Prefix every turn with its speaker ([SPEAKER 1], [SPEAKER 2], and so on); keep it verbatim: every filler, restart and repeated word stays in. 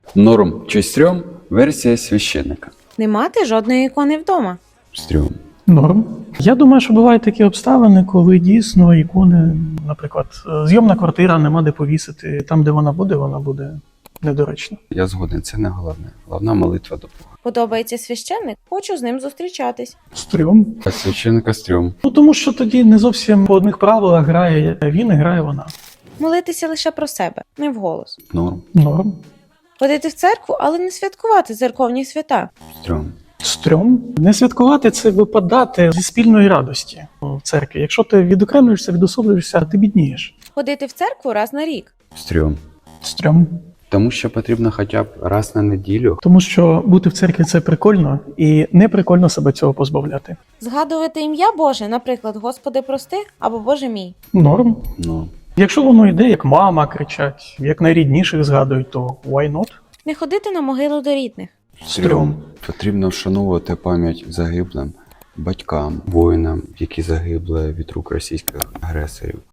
[SPEAKER 1] Норм чи стрьом – версія священника.
[SPEAKER 2] Не мати жодної ікони вдома.
[SPEAKER 1] Стрьом.
[SPEAKER 3] Норм. Я думаю, що бувають такі обставини, коли дійсно ікони, наприклад, зйомна квартира, нема де повісити. Там, де вона буде, вона буде недоречна.
[SPEAKER 1] Я згоден, це не головне. Головна молитва до Бога.
[SPEAKER 2] Подобається священник, хочу з ним зустрічатись.
[SPEAKER 3] Стрьом.
[SPEAKER 1] А священника стрьом.
[SPEAKER 3] Ну тому що тоді не зовсім по одних правилах грає він і грає вона.
[SPEAKER 2] Молитися лише про себе, не вголос.
[SPEAKER 1] Норм.
[SPEAKER 3] Норм.
[SPEAKER 2] Ходити в церкву, але не святкувати церковні свята.
[SPEAKER 1] Стрьом.
[SPEAKER 3] Стрьом. Не святкувати – це випадати зі спільної радості в церкві. Якщо ти відокремлюєшся, відособлюєшся, ти біднієш.
[SPEAKER 2] Ходити в церкву раз на рік.
[SPEAKER 1] Стрьом.
[SPEAKER 3] Стрьом.
[SPEAKER 1] Тому що потрібно хоча б раз на неділю.
[SPEAKER 3] Тому що бути в церкві – це прикольно, і не прикольно себе цього позбавляти.
[SPEAKER 2] Згадувати ім'я Боже, наприклад, Господи прости або Боже мій.
[SPEAKER 3] Норм.
[SPEAKER 1] Ну,
[SPEAKER 3] Якщо воно йде, як мама кричать, як найрідніших згадують, то why not?
[SPEAKER 2] Не ходити на могилу до рідних.
[SPEAKER 3] Стрьом.
[SPEAKER 1] Потрібно вшановувати пам'ять загиблим, батькам, воїнам, які загибли від рук російських агресорів.